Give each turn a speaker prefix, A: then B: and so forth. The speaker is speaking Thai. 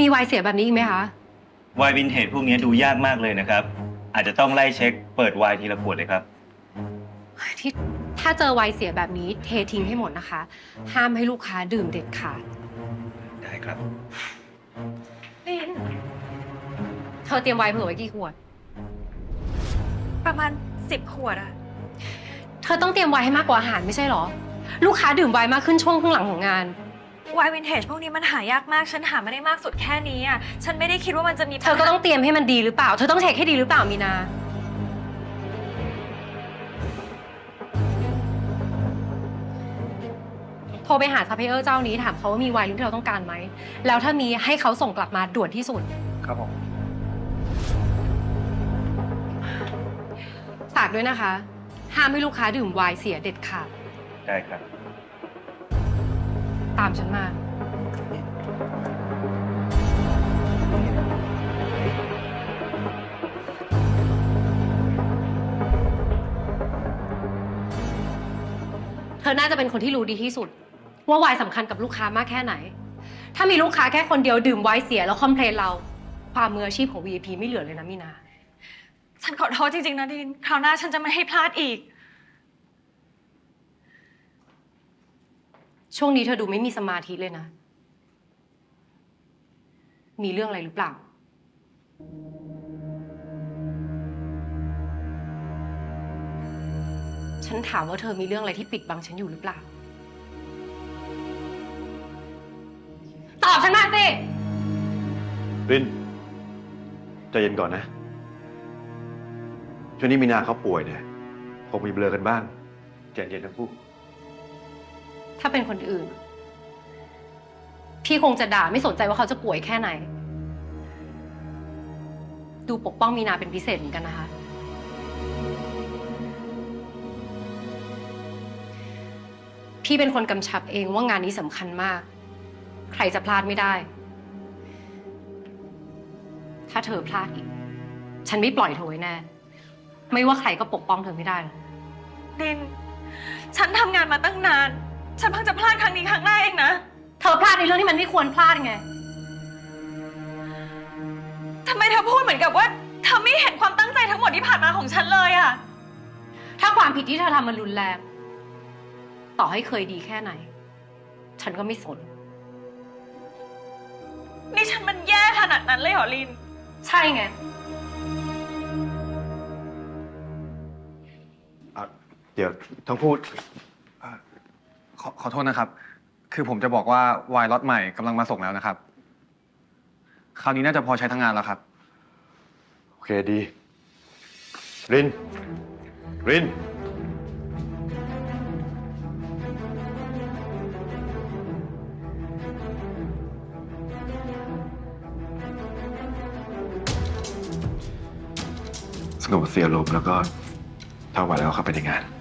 A: มีไวน์เสียแบบนี้อีกไหมคะ
B: ไวน์วินเทจพวกนี้ดูยากมากเลยนะครับอาจจะต้องไล่เช็คเปิดไวน์ทีละขวดเลยครับ
A: ที่ถ้าเจอไวน์เสียแบบนี้เททิ้งให้หมดนะคะ ห้ามให้ลูกค้าดื่มเด็ดขาด
B: ได้ครับ
A: ลินเธอเตรียมไวน์เผื่อไว้กี่ขวด
C: ประมาณ10 ขวดอะ
A: เธอต้องเตรียมไวน์ให้มากกว่าอาหารไม่ใช่หรอลูกค้าดื่มไวน์มากขึ้นช่วงครึ่งหลังของงาน
C: ไวน์วินเทจพวกนี้มันหายากมากฉันหาไม่ได้มากสุดแค่นี้อะฉันไม่ได้คิดว่ามันจะมี
A: เธอก็ต้องเตรียมให้มันดีหรือเปล่าเธอต้องเช็คให้ดีหรือเปล่ามีนาโทรไปหาซัพพลายเออร์เจ้านี้ถามเขาว่ามีไวน์ที่เราต้องการไหมแล้วถ้ามีให้เขาส่งกลับมาด่วนที่สุด
D: ครับผม
A: ฝากด้วยนะคะห้ามให้ลูกค้าดื่มไวน์เสียเด็ดขาด
B: ได้ครับ
A: ตามฉันมาเธอน่าจะเป็นคนที่รู้ดีที่สุดว่าไวน์สำคัญกับลูกค้ามากแค่ไหนถ้ามีลูกค้าแค่คนเดียวดื่มไวน์เสียแล้วคอมเพลนเราความมืออาชีพของ VIP ไม่เหลือเลยนะมีนา
C: ฉันขอโทษจริงๆนะดินคราวหน้าฉันจะไม่ให้พลาดอีก
A: ช่วงนี้เธอดูไม่มีสมาธิเลยนะมีเรื่องอะไรหรือเปล่าฉันถามว่าเธอมีเรื่องอะไรที่ปิดบังฉันอยู่หรือเปล่าตอบฉันมาสิ
D: รินใจเย็นก่อนนะช่วงนี้มีนาเขาป่วยเนี่ยคงมีเบลอกันบ้างใจเย็นทั้งคู่
A: ถ้าเป็นคนอื่นพี่คงจะด่าไม่สนใจว่าเขาจะป่วยแค่ไหนดูปกป้องมีนาเป็นพิเศษเหมือนกันนะคะพี่เป็นคนกำชับเองว่างานนี้สำคัญมากใครจะพลาดไม่ได้ถ้าเธอพลาดอีกฉันไม่ปล่อยเธอไว้แน่ไม่ว่าใครก็ปกป้องเธอไม่ได้หรอก
C: ดินฉันทำงานมาตั้งนานฉันเพิ่งจะพลาดครั้งนี้ครั้งแรกเองนะ
A: เธอพลาดในเรื่องที่มันไม่ควรพลาดไง
C: ทำไมเธอพูดเหมือนกับว่าเธอไม่เห็นความตั้งใจทั้งหมดที่ผ่านมาของฉันเลยอะ
A: ถ้าความผิดที่เธอทำมันรุนแรงต่อให้เคยดีแค่ไหนฉันก็ไม่สน
C: นี่ฉันมันแย่ขนาดนั้นเลยเหรอลิน
A: ใช่ไง
D: เดี๋ยวทั้งคู่
E: ขอโทษนะครับคือผมจะบอกว่าวายล็อตใหม่กำลังมาส่งแล้วนะครับคราวนี้น่าจะพอใช้ทั้งงานแล้วครับ
D: โอเคดีรินสงบเสียลมแล้วก็ถ้าไหวแล้วเข้าไปในงาน